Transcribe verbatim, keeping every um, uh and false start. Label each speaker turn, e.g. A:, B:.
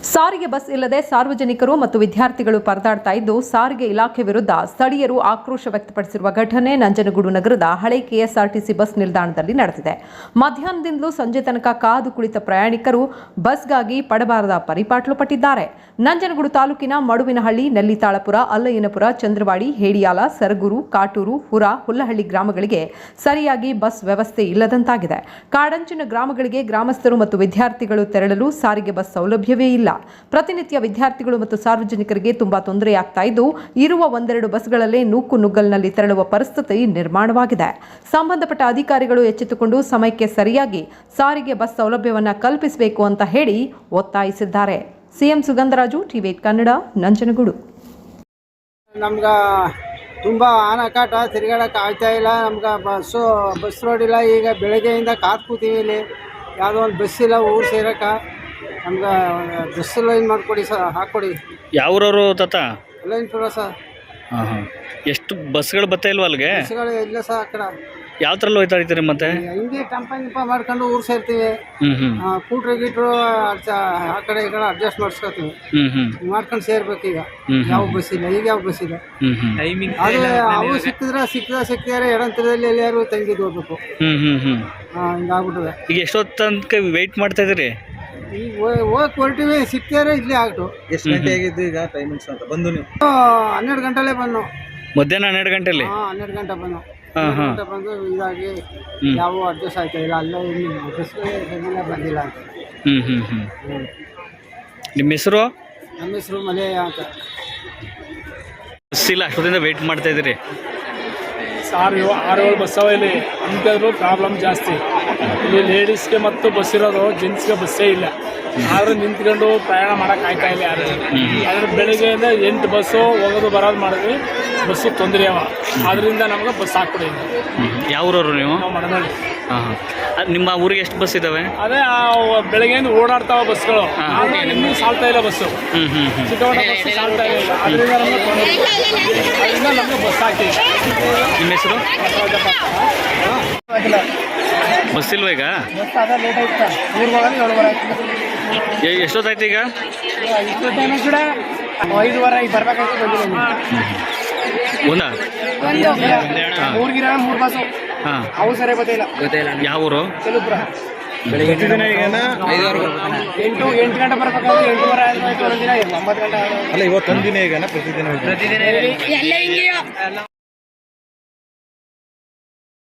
A: ಸಾರಿಗೆ ಬಸ್ ಇಲ್ಲದೆ ಸಾರ್ವಜನಿಕರು ಮತ್ತು ವಿದ್ಯಾರ್ಥಿಗಳು ಪರದಾಡ್ತಾ ಇದ್ದು ಸಾರಿಗೆ ಇಲಾಖೆ ವಿರುದ್ಧ ಸ್ಥಳೀಯರು ಆಕ್ರೋಶ ವ್ಯಕ್ತಪಡಿಸಿರುವ ಘಟನೆ ನಂಜನಗೂಡು ನಗರದ ಹಳೆ ಕೆಎಸ್ಆರ್ಟಿಸಿ ಬಸ್ ನಿಲ್ದಾಣದಲ್ಲಿ ನಡೆದಿದೆ. ಮಧ್ಯಾಹ್ನದಿಂದಲೂ ಸಂಜೆ ತನಕ ಕಾದು ಕುಳಿತ ಪ್ರಯಾಣಿಕರು ಬಸ್ಗಾಗಿ ಪಡಬಾರದ ಪರಿಪಾಟ್ಲು ಪಟ್ಟಿದ್ದಾರೆ. ನಂಜನಗೂಡು ತಾಲೂಕಿನ ಮಡುವಿನಹಳ್ಳಿ, ನೆಲ್ಲಿತಾಳಪುರ, ಅಲ್ಲಯ್ಯನಪುರ, ಚಂದ್ರವಾಡಿ, ಹೇಡಿಯಾಲ, ಸರಗೂರು, ಕಾಟೂರು, ಹುರ, ಹುಲ್ಲಹಳ್ಳಿ ಗ್ರಾಮಗಳಿಗೆ ಸರಿಯಾಗಿ ಬಸ್ ವ್ಯವಸ್ಥೆ ಇಲ್ಲದಂತಾಗಿದೆ. ಕಾಡಂಚಿನ ಗ್ರಾಮಗಳಿಗೆ ಗ್ರಾಮಸ್ಥರು ಮತ್ತು ವಿದ್ಯಾರ್ಥಿಗಳು ತೆರಳಲು ಸಾರಿಗೆ ಬಸ್ ಸೌಲಭ್ಯವೇ ಇಲ್ಲ. ಪ್ರತಿನಿತ್ಯ ವಿದ್ಯಾರ್ಥಿಗಳು ಮತ್ತು ಸಾರ್ವಜನಿಕರಿಗೆ ತುಂಬಾ ತೊಂದರೆಯಾಗ್ತಾ ಇದ್ದು ಇರುವ ಒಂದೆರಡು ಬಸ್ಗಳಲ್ಲೇ ನೂಕು ನುಗ್ಗಲ್ನಲ್ಲಿ ತೆರಳುವ ಪರಿಸ್ಥಿತಿ ನಿರ್ಮಾಣವಾಗಿದೆ. ಸಂಬಂಧಪಟ್ಟ ಅಧಿಕಾರಿಗಳು ಎಚ್ಚೆತ್ತುಕೊಂಡು ಸಮಯಕ್ಕೆ ಸರಿಯಾಗಿ ಸಾರಿಗೆ ಬಸ್ ಸೌಲಭ್ಯವನ್ನು ಕಲ್ಪಿಸಬೇಕು ಅಂತ ಹೇಳಿ ಒತ್ತಾಯಿಸಿದ್ದಾರೆ. CM Sugandharaju, TV Kannada, Nanjangud.
B: ನಮ್ಗ ತುಂಬ ಆನಕಾಟ, ತಿರುಗಾಡಕ್ಕೆ ಆಗ್ತಾ ಇಲ್ಲ. ನಮ್ಗೆ ಬಸ್ಸು ಬಸ್ ರೋಡ್ ಇಲ್ಲ. ಈಗ ಬೆಳಗ್ಗೆಯಿಂದ ಕಾದು ಕೂತೀವಿ. ಇಲ್ಲಿ ಯಾವುದೋ ಒಂದು ಬಸ್ ಇಲ್ಲ ಊರು ಸೇರಕ್ಕೆ. ನಮ್ಗೆ ಬಸ್ ಲೈನ್ ಮಾಡಿಕೊಡಿ ಸರ್, ಹಾಕ್ಕೊಡಿ.
C: ಯಾವ್ರವರು ತಾತ?
B: ಲೈನ್ ಪುರ ಸರ್.
C: ಹಾಂ ಹಾಂ ಎಷ್ಟು ಬಸ್ಗಳು ಬರ್ತಾ ಇಲ್ವ ಅಲ್ಲಿಗೆ?
B: ಬಸ್ಗಳು ಇಲ್ಲ ಸರ್. ಆ ಕಡೆ
C: ಯಾವ ಥರ ಹೋಯ್ತಾ ಇರ್ತೀರಿ ಮತ್ತೆ?
B: ಹಿಂಗೆ ಟಂಪ ಗಿಂಪ ಮಾಡ್ಕೊಂಡು ಊರು ಸೇರ್ತೀವಿ.
C: ಹ್ಞೂ ಹ್ಞೂ
B: ಕೂಟ್ರು ಗೀಟ್ರು ಆ ಕಡೆ ಈ ಕಡೆ ಅಡ್ಜಸ್ಟ್ ಮಾಡಿಸ್ಕೊತೀವಿ.
C: ಹ್ಞೂ ಹ್ಞೂ
B: ಮಾಡ್ಕೊಂಡು ಸೇರ್ಬೇಕು. ಈಗ ಯಾವ ಬಸ್ ಇಲ್ಲ. ಈಗ ಯಾವ ಬಸ್ ಇಲ್ಲ.
C: ಹ್ಞೂ ಹ್ಞೂ ಟೈಮಿಂಗ್
B: ಅದು ಅವು ಸಿಕ್ಕಿದ್ರೆ ಸಿಕ್ಕಿದ್ರೆ ಸಿಕ್ಕಿದ್ರೆ ಎಡಂತರದಲ್ಲಿ ಎಲ್ಲಾರು ತಂಗಿದ್ದು ಹೋಗ್ಬೇಕು.
C: ಹ್ಞೂ ಹ್ಞೂ ಹ್ಞೂ
B: ಹಾಂ, ಹಿಂಗಾಗ್ಬಿಟ್ಟಿದೆ.
C: ಈಗ ಎಷ್ಟೊತ್ತು ತನಕ ವೆಯ್ಟ್ ಮಾಡ್ತಾ ಇದ್ದೀರಿ?
B: ಈಗ ಹೋಗಿ ಹೊರಟಿವಿ, ಸಿಕ್ಕಿದ್ರೆ ಇಲ್ಲೇ ಆಗ್ತು.
D: ಎಷ್ಟು ಗಂಟೆ ಆಗಿದ್ದು ಈಗ ಟೈಮಿಂಗ್ಸ್ ಅಂತ ಬಂದು ನೀವು?
B: ಹನ್ನೆರಡು ಗಂಟೆಲೇ ಬಂದು.
C: ಮಧ್ಯಾಹ್ನ ಹನ್ನೆರಡು ಗಂಟೆಲಿ?
B: ಹಾಂ, ಹನ್ನೆರಡು ಗಂಟೆ ಬಂದು.
C: ಹಾಂ ಹಾಂ
B: ಗಂಟೆ ಬಂದು ಇದಾಗಿ ಯಾವ ಅಡ್ಜಸ್ಟ್ ಆಯ್ತಾ ಇಲ್ಲ. ಅಲ್ಲೇ ಬಸ್ಗೆ ಬಂದಿಲ್ಲ ಬಂದಿಲ್ಲ ಅಂತ.
C: ಹ್ಞೂ ಹ್ಞೂ ಹ್ಞೂ ನಿಮ್ಮ ಹೆಸರು?
B: ನಮ್ಮ ಹೆಸರು ಮಲೆ ಅಂತ.
C: ಬಸ್ ಇಲ್ಲ, ಅಷ್ಟೊತ್ತಿಂದ ವೆಯ್ಟ್ ಮಾಡ್ತಾ ಇದ್ದೀರಿ?
E: ಆರು ಆರು ಏಳು ಬಸ್ ಅವ ಇಲ್ಲಿ. ಅಂಥದ್ದು ಪ್ರಾಬ್ಲಮ್ ಜಾಸ್ತಿ ಇಲ್ಲಿ. ಲೇಡೀಸ್ಗೆ ಮತ್ತು ಬಸ್ ಇರೋದು, ಜೆಂಟ್ಸ್ಗೆ ಬಸ್ಸೇ ಇಲ್ಲ. ಆದರೂ ನಿಂತ್ಕೊಂಡು ಪ್ರಯಾಣ ಮಾಡೋಕೆ ಆಗ್ತಾ ಇಲ್ಲ ಯಾರು. ಆದರೆ ಬೆಳಗ್ಗೆಯಿಂದ ಎಂಟು ಬಸ್ಸು ಹೋಗೋದು ಬರೋದು ಮಾಡಿದ್ವಿ. ಬಸ್ಸು ತೊಂದರೆ ಅವ. ಆದ್ದರಿಂದ ನಮ್ಗೆ ಬಸ್ ಹಾಕ್ಕೊಡಿ.
C: ಯಾವ ಊರವರು ನೀವು?
E: ನಾವು ಮಡನಹಳ್ಳಿ.
C: ಹಾಂ ಹಾಂ ನಿಮ್ಮ ಊರಿಗೆ ಎಷ್ಟು ಬಸ್ ಇದ್ದಾವೆ?
E: ಅದೇ ಬೆಳಗ್ಗೆಯಿಂದ ಓಡಾಡ್ತಾವ ಬಸ್ಗಳು. ಇನ್ನೂ ಸಾಲ್ತಾ ಇಲ್ಲ ಬಸ್ಸು.
C: ಹ್ಞೂ ಹ್ಞೂ ಹ್ಞೂ
E: ಚಿಕ್ಕವಡ ಬಸ್ಸು ಸಾಲ್ತಾ ಇಲ್ಲ. ಅದರಿಂದ ನಮಗೆ ತೊಂದರೆ. ಅದರಿಂದ ನಮಗೆ ಬಸ್ ಹಾಕ್ತೀವಿ.
C: ನಿಮ್ಮ ಹೆಸರು? ಬಸ್ ಇಲ್ವ ಈಗ?
B: ಬಸ್ ಅದ ಲೇಟ್ ಆಯ್ತಾ? ಊರು ಬರೋದು ಏಳು ಬರ
C: ಎ- ಎಷ್ಟೊತ್ತಾಯ್ತು ಈಗ?
B: ಇಷ್ಟು ಟೈಮ್ ಕೂಡ ಐದುವರೆ ಈಗ ಬರ್ಬೇಕಾಯ್ತು. ಬಂದಿಲ್ಲ.
C: ಒಂದಾ?
B: ಮೂರ್ಗಿರ ಮೂರು ಬಸ್ಸು.
C: ಹಾಂ,
B: ಅವು ಸರಿ ಗೊತ್ತಿಲ್ಲ.
C: ಯಾವ ಊರು?
B: ಕೆಲುಪುರ.
D: ಪ್ರತಿದಿನ ಈಗೇನ ಐದುವರೆಗೂ
B: ಎಂಟು ಎಂಟು ಗಂಟೆ ಬರ್ಬೇಕಾದ್ರೆ ಎಂಟೂವರೆ ಆಯ್ತು. ಒಂದಿನ ಒಂಬತ್ತು ಗಂಟೆ.
D: ಅಲ್ಲ ಇವತ್ತೊಂದು ದಿನ ಈಗನ ಪ್ರತಿದಿನ
B: ಪ್ರತಿದಿನ